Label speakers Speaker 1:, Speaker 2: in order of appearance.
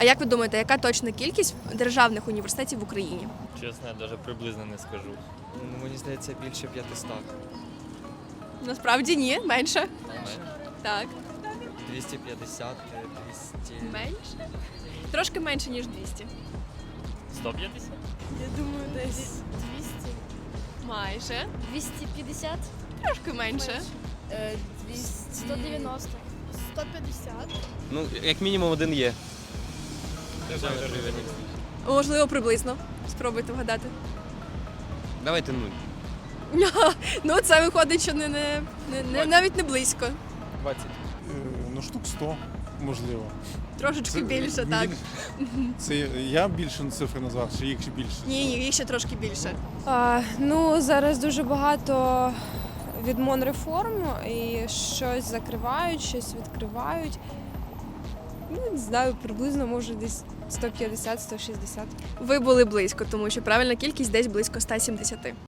Speaker 1: А як ви думаєте, яка точна кількість державних університетів в Україні?
Speaker 2: Чесно, я навіть приблизно не скажу.
Speaker 3: Мені здається, більше 500.
Speaker 1: Насправді ні, менше. Так.
Speaker 3: 250, 200.
Speaker 1: Менше? Трошки менше, ніж 200.
Speaker 2: 150?
Speaker 1: Я думаю, десь 200. Майже.
Speaker 4: 250,
Speaker 1: Трошки менше.
Speaker 4: 190, 150.
Speaker 5: Ну, як мінімум один є.
Speaker 1: Можливо, приблизно. Спробуйте вгадати.
Speaker 5: Давайте нуль.
Speaker 1: Ну, це виходить, що навіть не близько.
Speaker 3: 20.
Speaker 6: Ну, штук 100, можливо.
Speaker 1: Трошечки більше, так.
Speaker 6: Це я більше цифри назвав, чи їх ще більше?
Speaker 1: Ні, їх ще трошки більше.
Speaker 7: Ну, зараз дуже багато відмонреформ і щось закривають, щось відкривають. Ну, не знаю, приблизно, може, десь 150-160.
Speaker 1: Ви були близько, тому що правильна кількість десь близько 170.